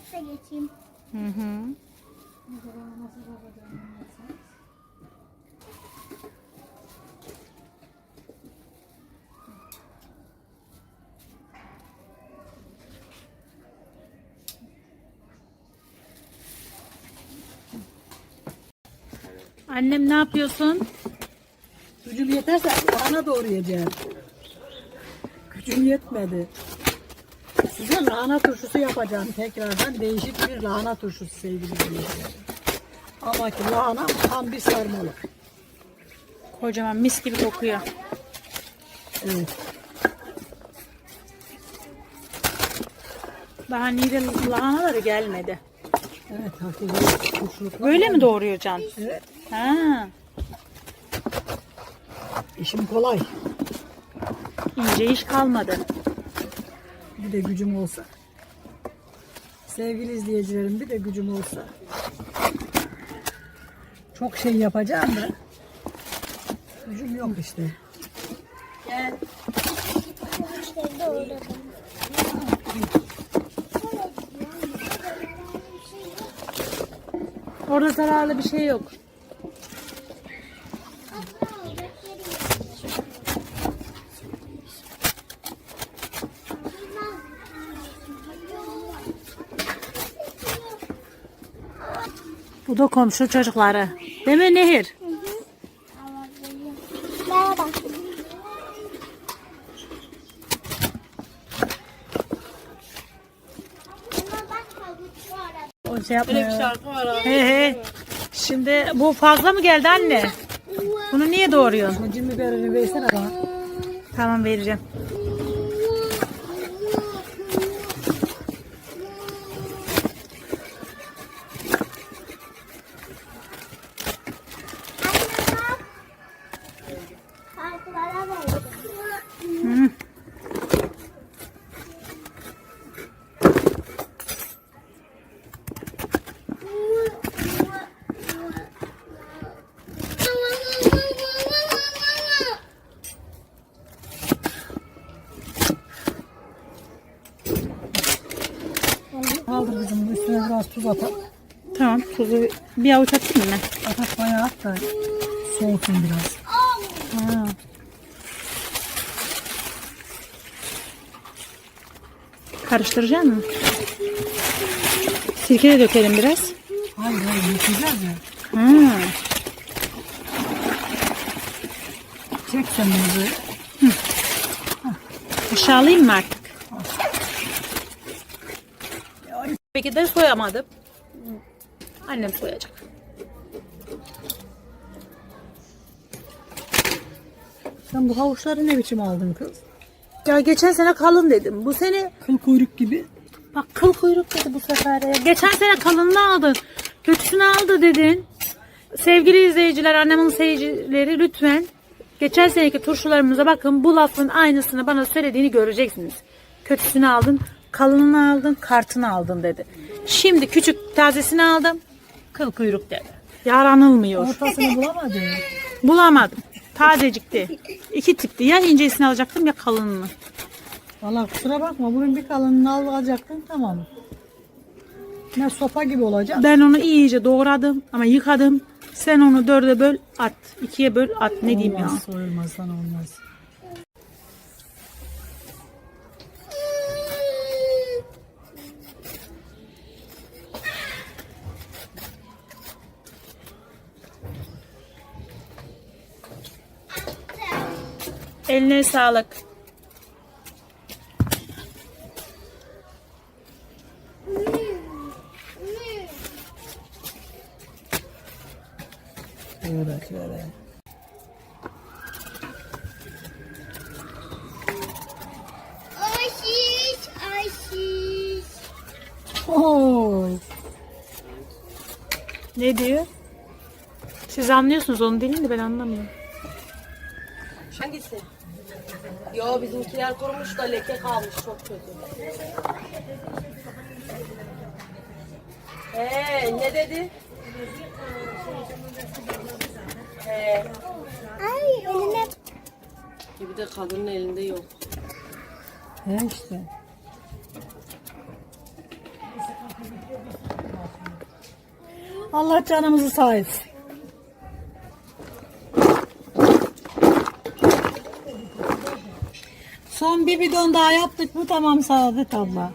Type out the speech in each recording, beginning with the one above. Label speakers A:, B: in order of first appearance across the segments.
A: ofise geçeyim.
B: Hı hı. Annem ne yapıyorsun?
C: Gücüm yeterse lahana doğrayacağım. Gücüm yetmedi. Size lahana turşusu yapacağım tekrardan. Değişik bir lahana turşusu sevgili dinleyiciler. Ama ki lahana tam bir sarmalı.
B: Kocaman mis gibi kokuyor.
C: Evet.
B: Daha niğde lahanaları gelmedi.
C: Evet, hakikaten turşuluk.
B: Böyle mi doğruyacaksın?
C: Evet.
B: Ha,
C: İşim kolay.
B: ince iş kalmadı.
C: Bir de gücüm olsa. Sevgili izleyicilerim, bir de gücüm olsa. Çok şey yapacağım da gücüm yok işte.
A: İşte doğradım.
B: Orada zararlı bir şey yok. Bu da komşu çocukları. Değil mi Nehir?
A: Merhaba.
B: O şey yapmıyor. He he. Şimdi bu fazla mı geldi anne? Bunu niye doğruyorsun?
C: Acı biberini versene bana.
B: Tamam vereceğim. Hı.
C: Kaldır kızım, bunun üstüne biraz tuz atalım.
B: Tamam, tuzu bir avuç atayım mı?
C: Atak bayağı at da soğutun biraz.
B: Ha. Karıştıracak mısın? Sirke de dökelim biraz.
C: Hayır yıkayacağız ya.
B: Ha.
C: Çek sen bunu böyle.
B: Aşağılayayım mı artık? Peki de soyamadım. Annem soyacak.
C: Sen bu havuçları ne biçim aldın kız?
B: Ya geçen sene kalın dedim. Bu sene
C: Kıl kuyruk gibi.
B: bak kıl kuyruk dedi bu sefer ya. Geçen sene kalınını aldın. Kötüsünü aldı dedin. Sevgili izleyiciler, annemin seyircileri lütfen geçen seneki turşularımıza bakın. Bu lafın aynısını bana söylediğini göreceksiniz. Kötüsünü aldın, kalınını aldın, kartını aldın dedi. Şimdi küçük tazesini aldım. Kıl kuyruk dedi. Yaranılmıyor.
C: Ortasını bulamadın.
B: Bulamadım. Tazecikti. İki tipti. Ya incesini alacaktım ya kalınını.
C: Valla kusura bakma, bunun bir kalınını alacaktın, tamam. Ne sopa gibi olacak.
B: Ben onu iyice doğradım ama yıkadım. Sen onu 4'e böl at. 2'ye böl at. Ne diyeyim ya.
C: Olmaz, soyulmaz sana olmaz.
B: Eline sağlık.
C: Şöyle şöyle.
A: Aşiş, aşiş.
C: Oy.
B: Ne diyor? Siz anlıyorsunuz onun dilini de ben anlamıyorum.
D: Hangisi? Yo, bizimkiler kurumuş da leke kalmış, çok kötü. Ne dedi?
A: Ay eline.
D: Bir de kadının elinde yok.
C: He işte. Allah canımızı sağ etsin. Son bir bidon daha yaptık mı tamam Saadet abla.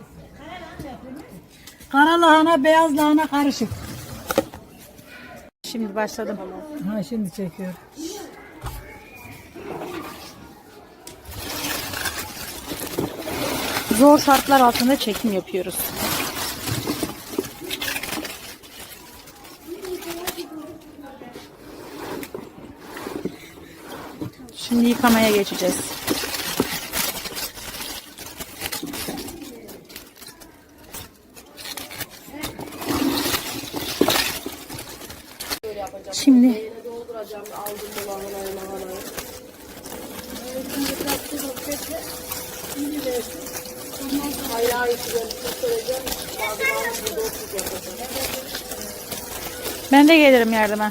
C: Kara lahana, beyaz lahana karışık.
B: Şimdi başladım.
C: Ha şimdi çekiyor.
B: Zor şartlar altında çekim yapıyoruz. Şimdi yıkamaya geçeceğiz. Şimdi
D: Dolduracağım aldım bu lahanayı. Hayır güzel söyleyeceğim. Bazılarını burada oturup yapacağım.
B: ben de gelirim yardıma.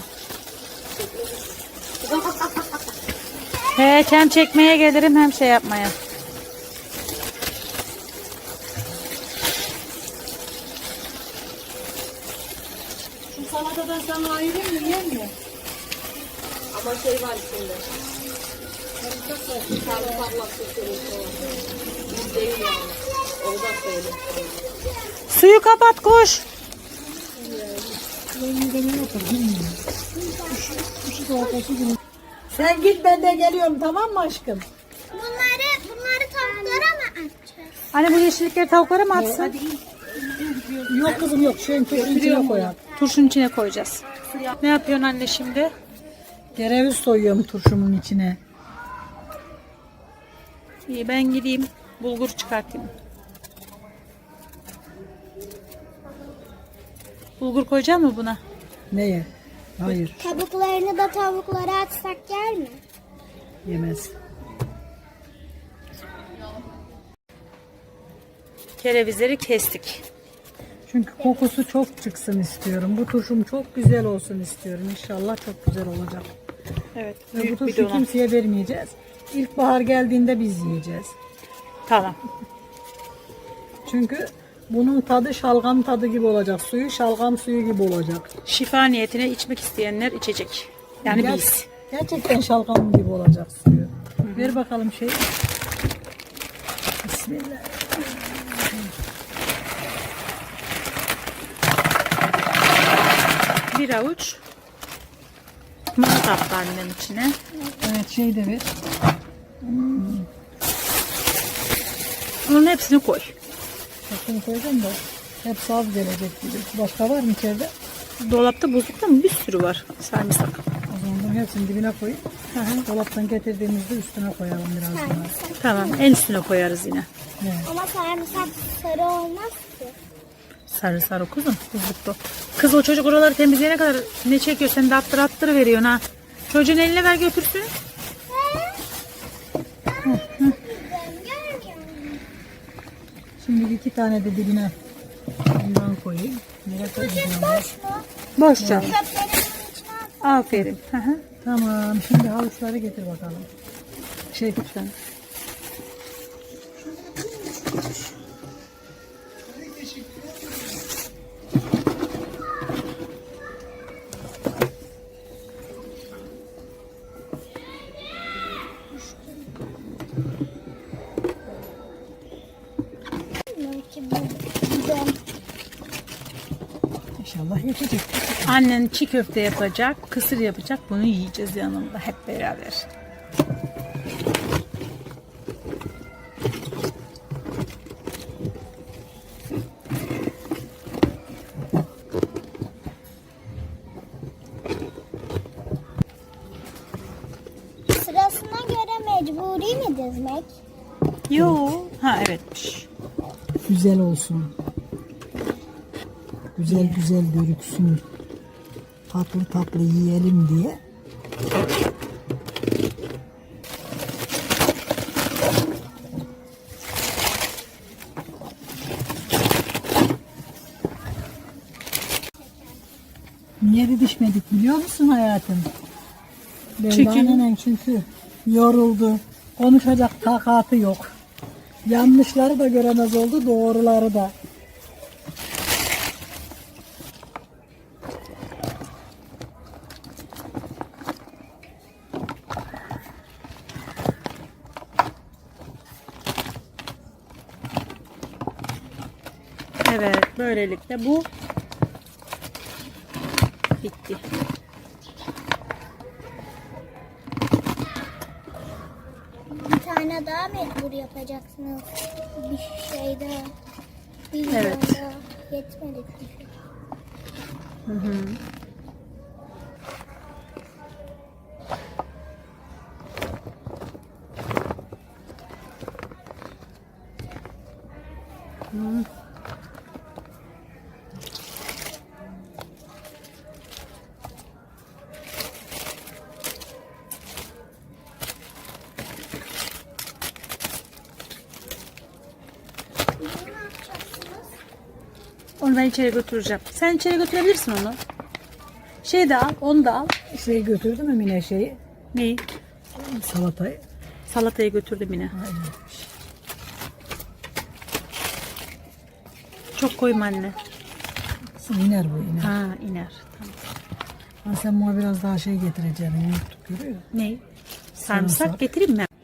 B: Hem çekmeye gelirim hem şey yapmaya.
C: Şu salatadan sana ayırayım mı yer mi?
D: Ama şey var içinde. Sarımsakla sürüyoruz falan. Biz değil yani. O da söyle.
B: Suyu kapat koş.
C: Sen git ben de geliyorum tamam mı aşkım?
A: Bunları tavuklara mı atacağız?
B: Anne bu yeşillikleri tavuklara mı atsın?
C: Yok kızım yok şu içine koyalım.
B: Turşunun içine koyacağız. Ne yapıyorsun anne şimdi?
C: Kereviz soyuyorum turşumun içine.
B: İyi ben gideyim bulgur çıkartayım. Bulgur koyacak mı buna?
C: Neye? Hayır
A: Kabuklarını da tavuklara atsak yer mi?
C: yemez.
B: Kerevizleri kestik.
C: Çünkü kokusu çok çıksın istiyorum. Bu turşum çok güzel olsun istiyorum. İnşallah çok güzel olacak.
B: Evet.
C: Ve bu
B: Büyük bir
C: turşu
B: dona.
C: kimseye vermeyeceğiz. İlkbahar geldiğinde biz yiyeceğiz.
B: Tamam.
C: Çünkü bunun tadı şalgam tadı gibi olacak. Suyu şalgam suyu gibi olacak.
B: Şifa niyetine içmek isteyenler içecek. Yani
C: Ger-
B: biz.
C: Gerçekten şalgam gibi olacak suyu. Ver bakalım şeyi. Bismillah.
B: Bir avuç mısır attı annem içine.
C: Evet şey de ver.
B: Onun hepsini koy.
C: Bakın koyacağım da hep az gelecek gibi. Başka var mı içeride?
B: Dolapta buzlukta mı? Bir sürü var. Sarımsak.
C: O zaman bunun hepsini dibine koyup dolaptan getirdiğimizde üstüne koyalım biraz daha.
B: Tamam. En üstüne koyarız yine.
C: Evet.
A: Ama sarımsak sarı olmaz ki.
B: Sarı sarı kuzum. Buzlukta. Kız o çocuk oraları temizleyene kadar ne çekiyor? Sen de attır veriyorsun ha. Çocuğun eline ver götürsün.
C: Şimdi 2 tane de dibine bundan koyayım. Nereye koyacağım?
B: Boşça.
A: Çöplerin içine at.
B: Aferin. Hı hı.
C: Tamam. Şimdi havuçları getir bakalım.
B: Şey lütfen.
C: İnşallah yetecek.
B: Annen çiğ köfte yapacak, kısır yapacak. Bunu yiyeceğiz yanında hep beraber.
A: Sırasına göre mecburi mi dizmek?
B: Yo. Ha evetmiş.
C: Güzel olsun. Güzel güzel görüksün. Tatlı tatlı yiyelim diye. Niye didişmedik biliyor musun hayatım? Çünkü yoruldu. Konuşacak takatı yok. Yanlışları da göremez oldu, doğruları da.
B: Evet, böylelikle bu bitti.
A: Bir tane daha mecbur yapacaksınız. Bir şey daha. Bir
B: Evet.
A: daha. Yetmedi çünkü.
B: Hı hı. Hı.
A: Ne yapacaksınız?
B: Onu ben içeri götüreceğim. Sen içeri götürebilirsin onu. Şey de al, onu da al.
C: Şey götürdü mü Mine şeyi?
B: Neyi?
C: Salatayı.
B: Salatayı götürdüm yine.
C: Aynen.
B: Çok koyma anne.
C: İner bu iner.
B: Ha, iner. Tamam.
C: Ha, sen bana biraz daha şey getireceksin. Unuttuk görüyor musun?
B: Neyi? Sarımsak
C: Sarımsak.
B: getireyim mi?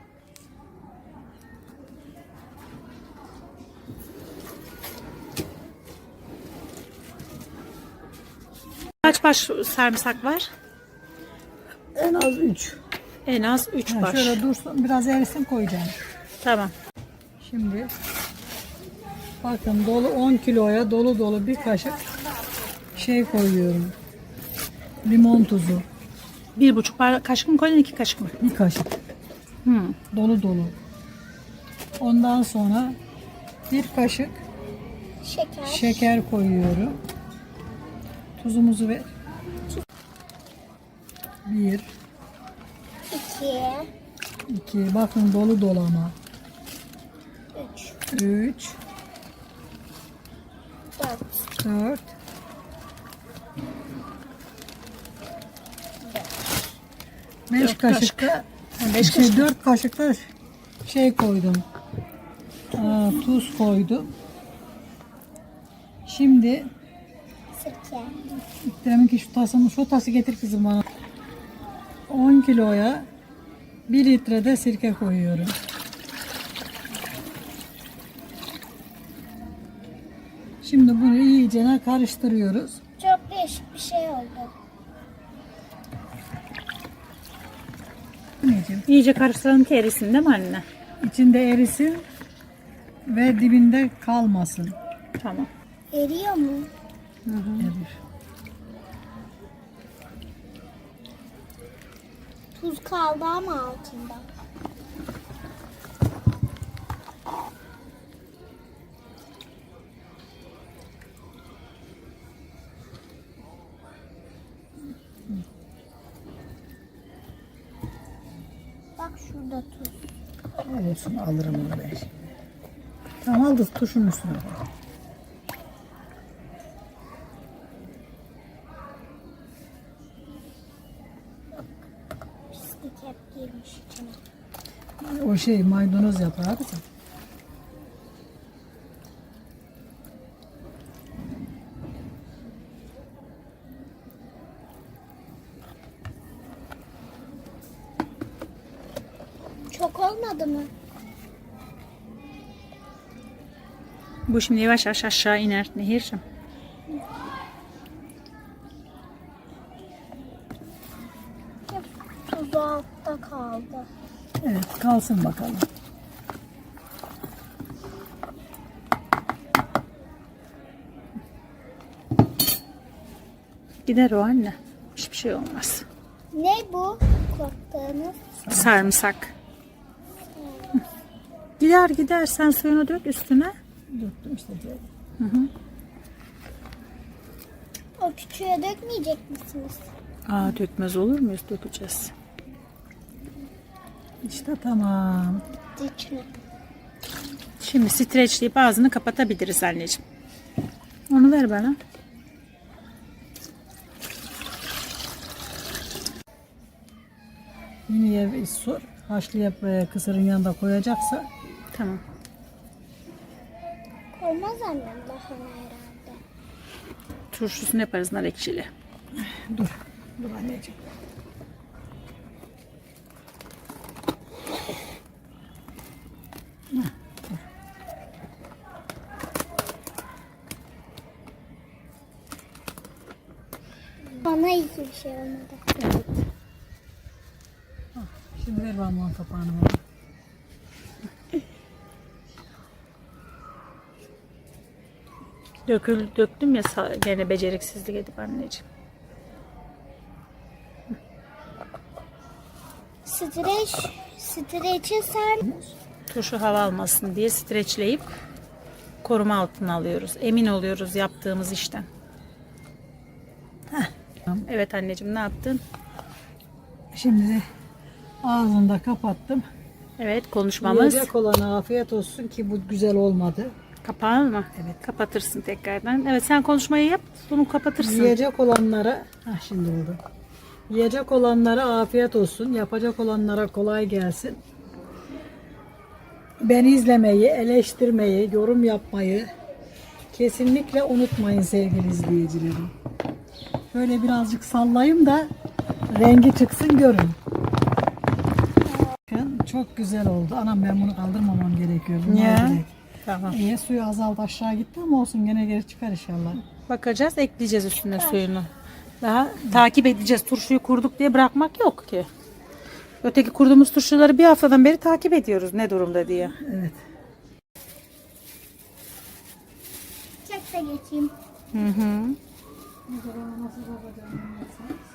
B: Kaç baş sarımsak var?
C: En az 3.
B: En az 3 baş.
C: Şöyle dursun biraz erisin koyacağım.
B: Tamam.
C: Şimdi bakın dolu 10 kiloya dolu dolu bir kaşık şey koyuyorum. Limon tuzu.
B: 1,5 kaşık mı koydun, 2 kaşık mı?
C: Bir kaşık. Dolu dolu. Ondan sonra bir kaşık
A: Şeker.
C: şeker koyuyorum. Tuzumuzu ver. 1,
A: 2,
C: 2, bakın dolu dolu ama.
A: 3,
C: 3,
A: 4,
C: 4, 5
B: Dört
C: kaşık da
B: 5 kaşık.
C: 4 kaşık da şey koydum. Tuz koydum. Şimdi
A: sirke.
C: demin ki şu tası getir kızım bana. 10 kiloya 1 litre de sirke koyuyorum. Şimdi bunu iyice karıştırıyoruz.
A: Çok değişik bir şey oldu.
C: Anneciğim,
B: İyice karıştıralım ki erisin değil mi anne?
C: İçinde erisin ve dibinde kalmasın.
B: Tamam.
A: Eriyor mu?
C: Erir.
A: Tuz kaldı ama altında. Bak şurada tuz.
C: Olsun alırım onu ben şimdi. Tamam aldı tuşun üstüne koy.
A: Pislik hep girmiş içine.
C: O şey maydanoz yaprağı kızım.
A: Çok olmadı mı?
B: Bu şimdi yavaş yavaş aşağı iner Nehir'cim.
A: Tuzu altta kaldı.
C: Evet kalsın bakalım.
B: Gider o anne. Hiçbir şey olmaz.
A: Ne bu? Korktuğunuz.
B: Sarımsak. Gider gider, sen suyunu dök üstüne.
C: Döktüm işte.
A: O küçüğe dökmeyecek misiniz?
B: Aa, dökmez olur muyuz? Dökeceğiz.
C: İşte tamam.
A: İçine.
B: Şimdi streçleyip ağzını kapatabiliriz anneciğim. Onu ver bana.
C: Yine bir sor. Haşlayıp kısırın yanında koyacaksa
B: Tamam.
A: Koymaz annem lahana herhalde.
B: Turşusunu yaparız nar ekşili.
C: dur. Dur anneciğim.
A: Bana hiçbir şey olmadı.
B: Evet.
C: Şimdi ver bana onun kapağını bana.
B: Döktüm ya gene beceriksizlik edip anneciğim.
A: Streçe sarmış.
B: Turşu hava almasın diye streçleyip koruma altına alıyoruz. Emin oluyoruz yaptığımız işten. Evet anneciğim, ne yaptın?
C: Şimdi de ağzını da kapattım.
B: Evet, konuşmamız.
C: Yiyecek olana afiyet olsun ki bu güzel olmadı.
B: Kapağı mı? Evet. Kapatırsın tekrardan. Evet, sen konuşmayı yap. Bunu kapatırsın.
C: Yiyecek olanlara, şimdi oldu. Yiyecek olanlara afiyet olsun. Yapacak olanlara kolay gelsin. Beni izlemeyi, eleştirmeyi, yorum yapmayı kesinlikle unutmayın sevgili izleyicilerim. Böyle birazcık sallayayım da rengi çıksın görün. Bakın çok güzel oldu. Anam ben bunu kaldırmamam gerekiyor.
B: Ya. Tamam.
C: İyi, suyu azaldı aşağı gitti ama olsun gene geri çıkar inşallah.
B: Bakacağız, ekleyeceğiz üstüne suyunu. Daha takip edeceğiz. Turşuyu kurduk diye bırakmak yok ki. Öteki kurduğumuz turşuları bir haftadan beri takip ediyoruz ne durumda diye.
C: Evet.
A: Çek de geçeyim.
B: Hı hı.
C: Nasıl yapacağım?